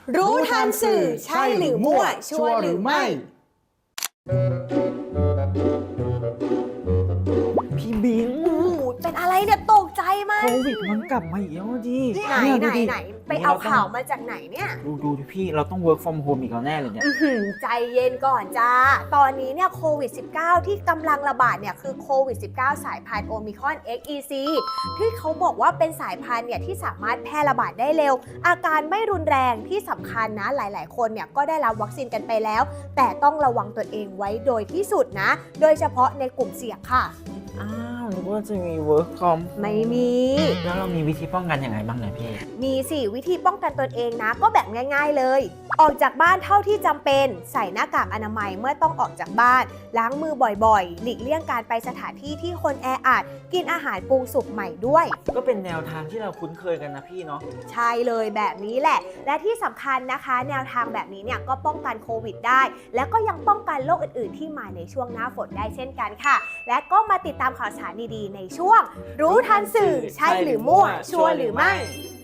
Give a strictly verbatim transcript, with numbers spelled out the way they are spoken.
รู้ทันสื่อใช่หรือมั่วชัวร์หรือไม่พี่บิงเป็นอะไรเนี่ยตกใจมากโควิดมันกลับมาอีกแล้วดิไหนไหนไหนไปเอาข่าวมาจากไหนเนี่ยดูดูพี่เราต้อง work from home อีกแล้วแน่เลยเนี่ยใจเย็นก่อนจ้าตอนนี้เนี่ยโควิด สิบเก้า ที่กำลังระบาดเนี่ยคือโควิด สิบเก้า สายพันธุ์โอมิครอน เอ็กซ์ อี ซี ที่เขาบอกว่าเป็นสายพันธุ์เนี่ยที่สามารถแพร่ระบาดได้เร็วอาการไม่รุนแรงที่สำคัญนะหลายๆคนเนี่ยก็ได้รับวัคซีนกันไปแล้วแต่ต้องระวังตนเองไว้โดยที่สุดนะโดยเฉพาะในกลุ่มเสี่ยงค่ะอ้าวหรือว่าจะมี work from ไม่มีแล้วเรามีวิธีป้องกันยังไงบ้างเนี่ยพี่มีสี่วิธีป้องกันตนเองนะก็แบบง่ายๆเลยออกจากบ้านเท่าที่จำเป็นใส่หน้ากากอนามัยเมื่อต้องออกจากบ้านล้างมือบ่อยๆหลีกเลี่ยงการไปสถานที่ที่คนแออัดกินอาหารปรุงสุกใหม่ด้วยก็เป็นแนวทางที่เราคุ้นเคยกันนะพี่เนาะใช่เลยแบบนี้แหละและที่สำคัญนะคะแนวทางแบบนี้เนี่ยก็ป้องกันโควิดได้และก็ยังป้องกันโรคอื่นๆที่มาในช่วงหน้าฝนได้เช่นกันค่ะและก็มาติดตามข่าวสารดีๆในช่วงรู้ทันสื่อใช่หรือมั่วชัวร์หรือไม่